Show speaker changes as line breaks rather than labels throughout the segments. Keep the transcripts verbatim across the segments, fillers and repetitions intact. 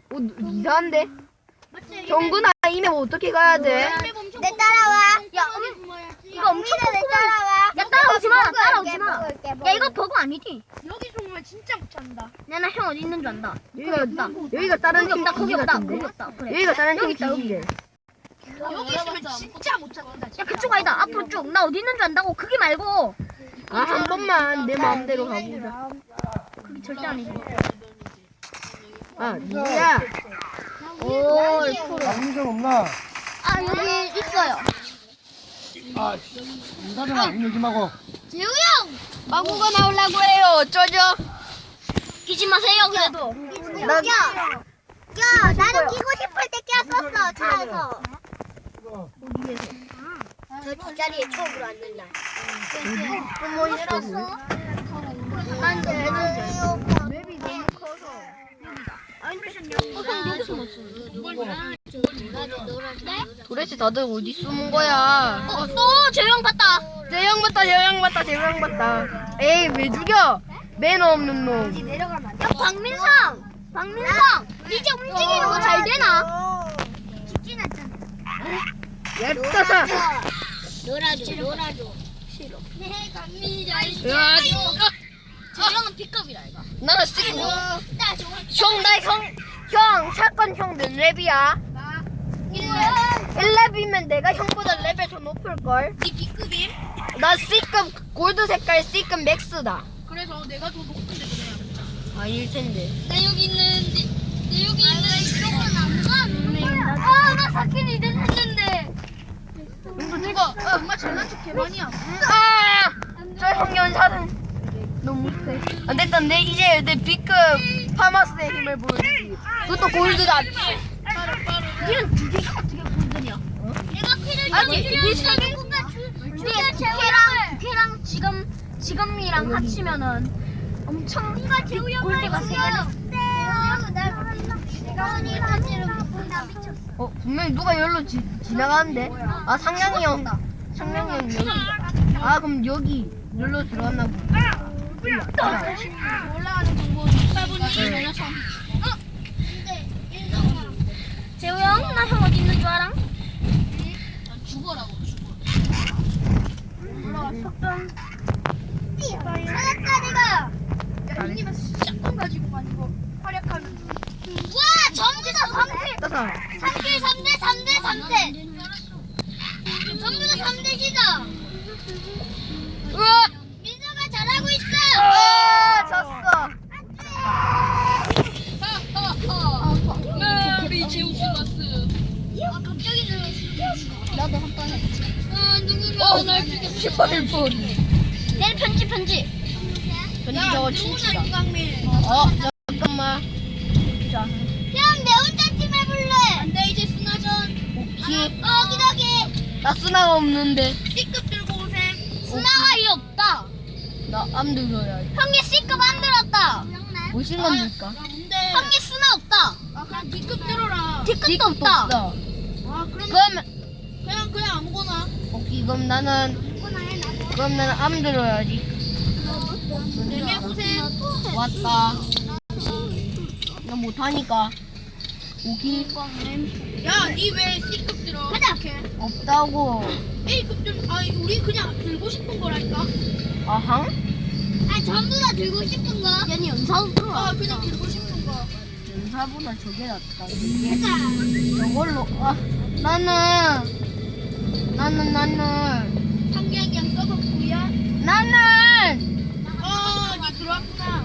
어, 이상한데? 정근아, 이메 어떻게 가야 돼?
내 따라와.
야, 음, 이거 엄청
내 따라와.
야, 따라오지 마,
먹을게,
따라오지 마.
먹을게,
야,
먹을게.
이거 버거 아니지?
여기 정말 진짜 못 찾는다.
내가 형 어디 있는 줄 안다.
여기가, 여기가 다른
거기
팀
없다, 거기
기지
없다,
같은데?
거기 없다. 그래.
여기가 다른 팀
여기 있다, 여기.
기지래.
여기 있으면 진짜 못 찾는다.
야, 그쪽 아니다. 앞으로 쭉. 나 어디 있는 줄 안다고. 그게 말고.
아, 한 번만 내 마음대로 가보자.
그게 절대 아니지.
아, 누구야?
오,
남미전 없나?
아, 여기 있어요.
아, 인사는 안 얘기 마고.
재우 형!
마구가 나오려고 해요. 어쩌죠?
끼지 마세요, 그래도.
나,
야, 나도 끼고 싶을 때 꼈었어, 차에서. 저 뒷자리에 처음으로 앉는 날.
숨어 있어.
안 돼, 안 돼.
맵이 너무 커서.
어, 형 여기 숨었어.
도대체 다들 어디 숨은 거야?
어, 또 재우 형 봤다.
재영 봤다, 재영 봤다, 재영 봤다. 에이, 왜 죽여? 매너 없는 놈.
야, 박민상! 박민상! 이제 움직이는 거 잘 되나?
얇다사.
놀아줘, 놀아줘.
네, 갑니다.
야,
재우 형은 B급이라, 이거.
나는 쓰고. 형, 나 형, 형, 사건 형 몇 랩이야? 일 랩이면 내가 형보다 레벨 더 높을걸?
네 B급임?
나 C급, 골드 색깔 C급 맥스다.
그래서 내가 더 높은데 그래.
아닐 텐데.
나 여기 있는데, 나 여기 있는데, 이쪽은 안 가? 아, 나 사킨 이제 했는데.
이거 정말 잘난 척 개만이야.
아! 저 형연사는 너무 세. 안 됐다. 내 이제 내 B급 파마스의 힘을 보여주지. 그것도 골드다.
니는 두 개가 어떻게 골드냐? 내가 키를 아니, 비슷하게 우리가 걔랑 걔랑 지금 지금이랑 합치면은 엄청 골드가 세 개나.
어, 분명히 누가 여기로 지, 지나가는데? 아, 상냥이 형. 상냥이 형 여기. 아, 그럼 여기 여기로 들어갔나 보다.
올라가는 정보
네.
내려서.
재우 형, 나 형 어디 있는 줄 알아?
죽어라고.
하나까지가.
형님은 샷건 가지고만 이거 활약하는 중.
와, 전부 다 삼 대
따사.
삼 대 삼 대 삼 대 삼 대. 전부 다 삼 대시다.
으아!
민서가 잘하고 있어.
아, 졌어.
우리 제우스 마스.
아, 갑자기 들었어. 나도 한 번 해. 아, 누군가
어, 십팔 분.
내일 편지 편지.
편지 저거 칩시다.
윤강민.
어, 잠깐만. 자,
형, 내 혼자 팀 해볼래.
안돼 이제 스나전.
오케이.
어, 기다게.
나 쓰나가 없는데.
C급 들고 오셈.
스나가 이 없다.
나 암 들어야지.
형이 C급 안 들었다.
무슨 겁니까?
뭔데?
형이 스나 없다.
아 그냥 D급 들어라.
D급도 없다.
없다.
아 그럼
그러면,
그냥 그냥 아무거나.
오케이, 그럼 나는, 그럼 나는 암 들어야지.
내게 오셈.
왔다. 나 못하니까. 오케이.
야, 니 왜 C급 들어?
가자.
없다고.
A급 들. 아, 우리 그냥 들고 싶은 거라니까.
아항?
아, 전부 다 들고 싶은 거. 얘는 연사도 들어.
아, 그냥 들고 싶은 거.
연사보다 저게 낫다. 이게 저걸로, 아, 나는, 나는, 나는,
상기하기랑 서버 구야.
나는!
어, 니 들어왔구나.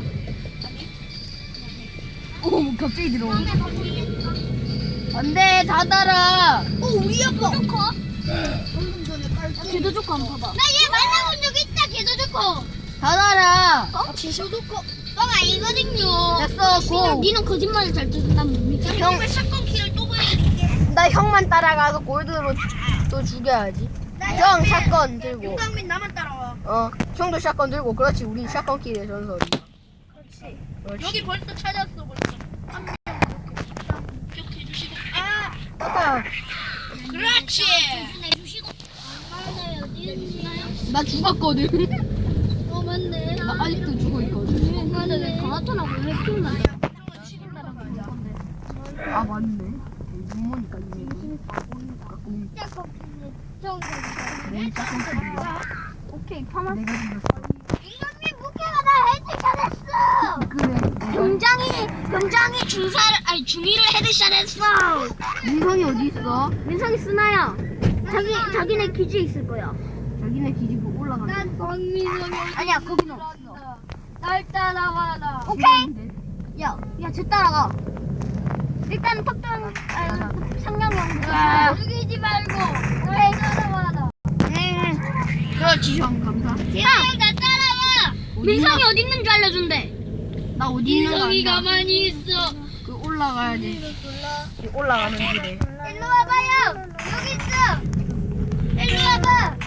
오, 갑자기 들어오네. 안 돼, 닫아라.
어, 우리 아빠.
좋고.
방금 전에 깔.
걔도 좋고 한번 봐봐. 나 얘 만나본 적 있다. 걔도 좋고.
닫아라.
어? 지수도 거.
뻥 아니거든요.
됐어, 고.
니는 거짓말을 잘 듣는다면 뭡니까?
형,
왜 샷건 키를 또 보여줄게.
나 형만 따라가서 골드로 또 죽여야지. 형, 샷건 들고.
윤강민 나만 따라와.
어, 형도 샷건 들고. 그렇지, 우린 샷건 키의 전설이.
그렇지.
그렇지.
여기 벌써 찾았어 벌써. 한 명 이렇게 기억해 주시고. 아,
아,
그렇지.
내주시고. 아, 어디 있나요?
나 죽었거든.
어, 맞네.
나 아직도 죽어 있거든.
근데 왜 강화턴하고 왜 피우나?
저거 치고 따라가자.
맞네. 눈모니까 이제. 오케이, 파마. 내가 죽였어.
이건님 무게가 나 헤드샷했어.
그래.
병장이 병장이 중사를 아니 중위를 헤드샷했어.
민성이 어디 있어?
민성이 쓰나요? 자기 자기네 기지에 있을 거야.
자기네 기지고 올라가.
난 박민성이
아니야 거기는 없어.
날 따라와라.
오케이. 야, 야, 쟤 따라가. 일단 턱당 아니 상냥형.
죽이지 말고 날 따라와라.
그렇지, 형 감사.
야, 나 따라와. 민성이 어디 있는 줄 알려준대.
나 어디 있는 거
민성이
아니야?
가만히 있어.
그 올라가야 돼. 그 올라가는 길에.
일로 와봐요. 여기 있어. 일로 와봐.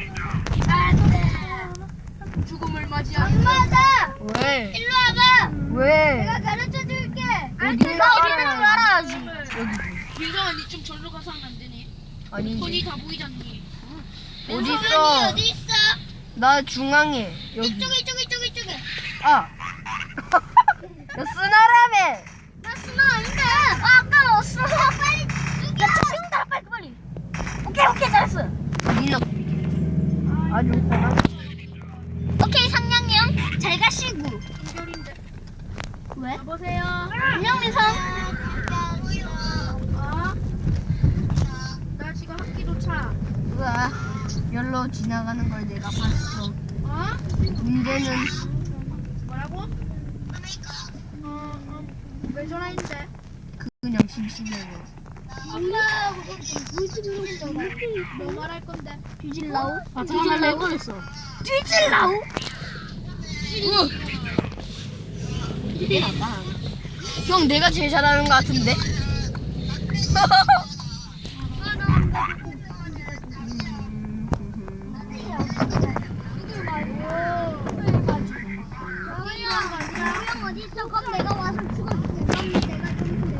죽음을 맞이하는
엄마다.
왜?
일로 와봐.
왜?
내가 가르쳐 줄게.
어디
나 어디 있는 줄 알아야지.
민성아 니 좀 절로 가서 하면 안 되니?
아니.
손이 다 보이잖니.
어디
민성아,
있어?
니 어디 있어?
나 중앙에 여기.
이쪽에 이쪽에 이쪽에 이쪽에.
아. 너 쓰나라며.
나 수나 아닌데. 아, 아까웠어. 빨리 죽여. 야, 죽인다. 빨리 빨리. 오케이 오케이 잘했어.
니는 아주 고마.
오케이 상냥형 잘 가시고.
인결인데.
왜?
여보세요.
안녕 민성.
어? 나 지금 학기도 차.
우와. 열로 지나가는 걸 내가 봤어.
어?
문제는
뭐라고? 어, 어, 왜 전화했는데?
그냥 심심해요.
아빠, 뭐 말할 건데?
뒤질라우?
아, 뒤질라고 그랬어.
뒤질라우?
형, 내가 제일 잘하는 것 같은데?
형 어디 있어? 그럼 내가 와서 죽어줄게. 그럼 내가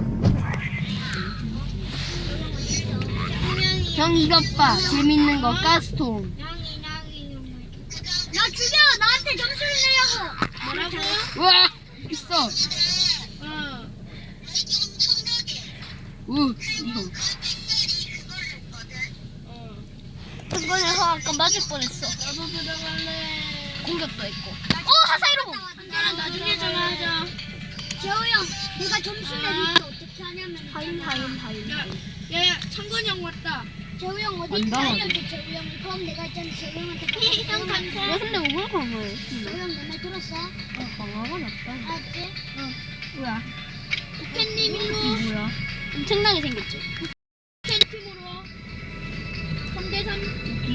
좀
형, 이것 봐. 재밌는 거, 가스통.
나 죽여! 나한테 점수를 내려고!
뭐라고?
우와! 있어.
어.
우, 이거.
어.
이번에서 아까 맞을 뻔했어.
나도 들어갈래.
공격도 했고. 어, 하사이로!
나랑 나중에 전화하자.
재호 형, 내가 점수 내릴 때 어떻게 하냐면
타임, 타임, 타임.
야, 야, 야, 창건이 형 왔다.
재호 형 어디
안
있다
당하네.
알려줘, 재호 형. 그럼 내가 있잖아, 재호 형한테. 형 감사.
야, 근데 왜 강화해?
재호 형 내 말 들었어?
강화가 났다.
알았지?
뭐야?
팬님 일로.
이 뭐야?
엄청나게 생겼지?
팬팀으로. 삼 대 삼.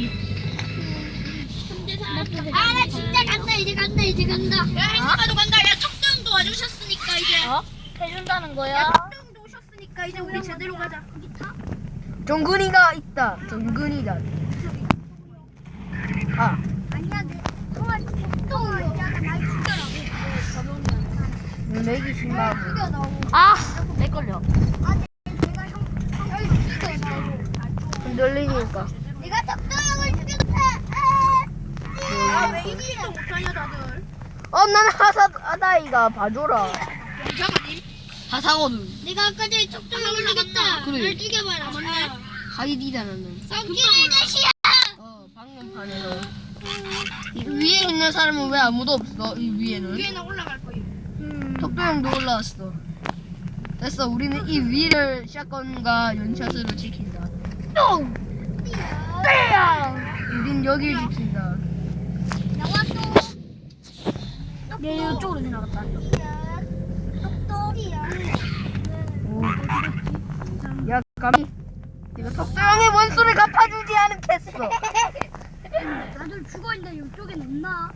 삼 대 삼.
아, 나 진짜 간다, 이제 간다, 이제 간다.
야, 행사도 간다. 야, 척도 형도 와주셨으니까 이제.
어? 해준다는 거야?
야, 척도 형도 오셨으니까 이제 우리 제대로 가자.
정근이가 있다. 정근이다. 아,
아니야, 내 그거 또 있잖아, 날 죽여라고.
내기 신나고.
죽여 나오고.
아, 내 걸려.
아, 내가 형, 형을 죽여.
흔들리니까.
내가 덕도 형을 죽였다.
아, 왜 이기지도 못하냐, 다들.
어, 난 하사, 하다이가 봐줘라.
영장 아님?
하사거든.
내가 아까 전에 덕도 형을 죽였다.
그래.
날 죽여봐라.
맞네.
하이디다, 나는.
썩기는 것이야.
어, 방금 판에서. 이 위에 있는 사람은 왜 아무도 없어? 이 위에는.
위에는 올라갈 거예요.
턱도 형도 올라왔어. 됐어, 우리는 이 위를 샷건과 연샷으로 지킨다.
똥.
우린 여길 지킨다.
나왔어.
얘 이쪽으로 지나갔다.
똑똑이야.
오. 야, 감히. 내가 턱도 형의 원수를 갚아주지 않겠어.
다들 죽어있는데 이쪽엔 없나?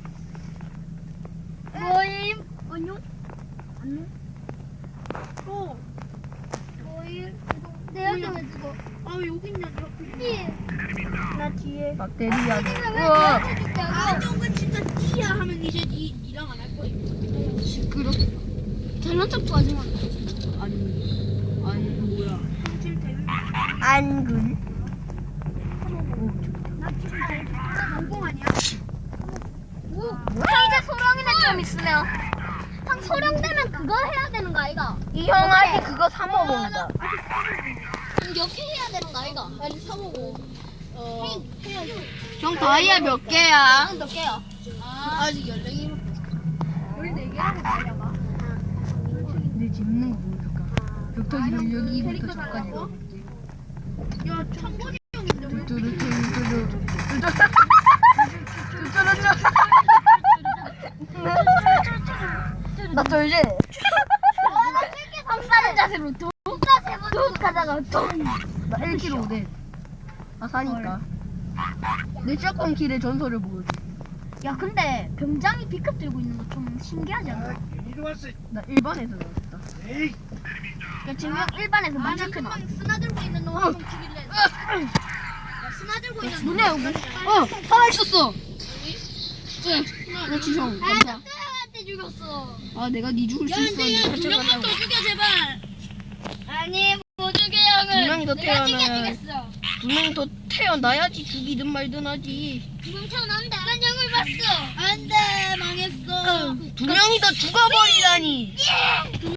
뭐임? 안녕? 안녕?
어.
뭐임? 내 여기 왜 죽어?
아, 왜 여기 있냐, 저 앞에.
나 뒤에.
박대리야. 우와.
아, 쫑은 진짜 띠야 하면 이제 니, 니랑 안 할 거예요.
시끄럽.
잘난 척도 하지 마.
아니, 아니, 뭐야.
성질 대회.
안근.
나 지금 제일
성공 아니야?
오, 형 이제 소령이네 좀 있으면. 형
형 소령 되면 그거 해야 되는 거 아이가?
이 형 아직 그거 사 먹은다.
이렇게 해야 되는 거 아이가?
빨리 사보고. 어.
형 다이아 몇 개야?
몇 개요?
아, 아직 열네 개.
내 집는 거 보여줄까? 벽돌이를 여기부터 저까지 가.
야, 창건이 형인데 왜?
나 돌지?
형 싸는 자세로 뚝 뚝 하다가 뚝.
나 일 킬로그램 돼. 아 사니까. 내 샷건 킬의 전설을 보여줘.
야 근데 병장이 B급 들고 있는 거 좀 신기하지 않아?
이리 왔어.
나 일반에서 나왔다.
에이.
야 지금 형 일반에서 만자크 나와.
스나 들고 있는 놈 한번 죽일래. 야, 스나 들고 있는 놈.
눈에 여기. 어, 하나 있었어. 그렇지 형. 감사.
한테 죽였어.
아 내가 네 죽을
야,
수
근데
있어.
야, 두 명만 더 죽여, 제발.
아니 못 죽여 형을.
두 명이 더
내가
태어나야.
죽였어.
두 명이 더 태어나야지 죽이든 말든 하지.
두명 태어난다. 난 형을 봤어.
안 돼, 망했어.
두 명이 더 죽어버리다니.
두